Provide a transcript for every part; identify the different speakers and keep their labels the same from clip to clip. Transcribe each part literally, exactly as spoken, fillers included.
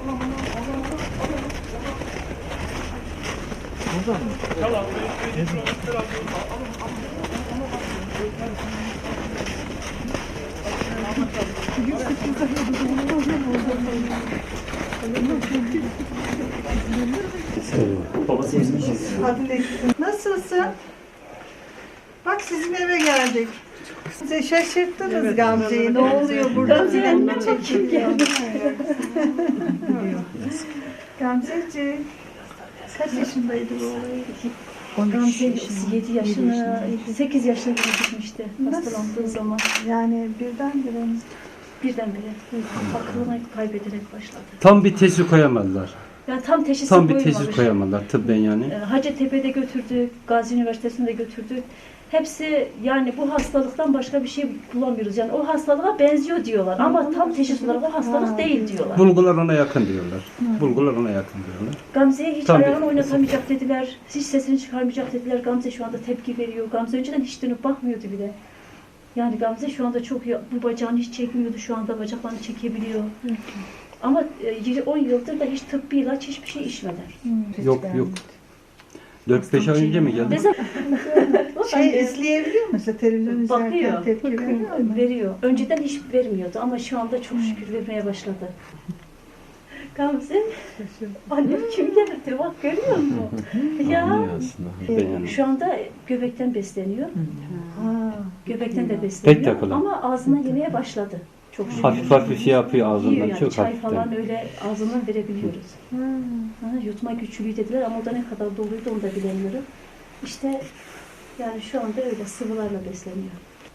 Speaker 1: Babası ezmişiz.
Speaker 2: Nasılsın? Bak sizin eve geldik. Size şaşırttınız evet, Gamze'yi. Ne oluyor burada? Filan çekiliyor. Gamzeciğim. Kaç yaşındaydı bu olay?
Speaker 3: Gamze yedi yaşına, sekiz yaşına gitmişti hastalandığı zaman.
Speaker 2: Yani birdenbire mi?
Speaker 3: Birdenbire aklını kaybederek başladı.
Speaker 1: Tam bir teşhis koyamadılar.
Speaker 3: Yani tam teşhis
Speaker 1: Tam bir
Speaker 3: koyulmamış.
Speaker 1: teşhis koyamadılar tıbben yani.
Speaker 3: Hacettepe'de götürdük, Gazi Üniversitesi'nde götürdük. Hepsi yani bu hastalıktan başka bir şey bulamıyoruz. Yani o hastalığa benziyor diyorlar ama tam teşhis olarak o hastalık değil diyorlar.
Speaker 1: Bulgular ona yakın diyorlar. Bulgular ona yakın diyorlar.
Speaker 3: Gamze'ye hiç
Speaker 1: Tabii.
Speaker 3: ayağını oynatamayacak dediler, hiç sesini çıkarmayacak dediler. Gamze şu anda tepki veriyor. Gamze önceden hiç dönüp bakmıyordu bile. Yani Gamze şu anda çok iyi, bu bacağını hiç çekmiyordu, şu anda bacaklarını çekebiliyor. Ama on yıldır da hiç tıbbi ilaç hiçbir şey içmeden.
Speaker 1: Yok yok. dört beş ay önce mi geldi?
Speaker 2: Şey izleyebiliyor musun? Televizyon izlerken
Speaker 3: Bakıyor,
Speaker 2: tepki veriyor mu?
Speaker 3: veriyor. Önceden hiç vermiyordu ama şu anda çok şükür vermeye başladı. Gamze, annem kim geldi? Bak görüyor musun? Ya, şu anda göbekten besleniyor.
Speaker 2: Ha.
Speaker 3: Göbekten de
Speaker 1: Tek
Speaker 3: besleniyor
Speaker 1: takılı.
Speaker 3: ama ağzına yemeye başladı. Çok şükür.
Speaker 1: Hafif hafif şey yapıyor ağzından,
Speaker 3: Yiyor yani,
Speaker 1: çok
Speaker 3: çay
Speaker 1: hafiften.
Speaker 3: falan öyle ağzından verebiliyoruz.
Speaker 2: Hmm.
Speaker 3: Ha, yutma güçlüğü dediler ama o da ne kadar doluydu onu da bilemiyorum. İşte yani şu anda öyle sıvılarla besleniyor.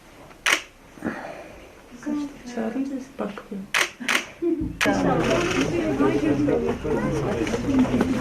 Speaker 2: Çağırayım mı? Bak.
Speaker 3: İnşallah.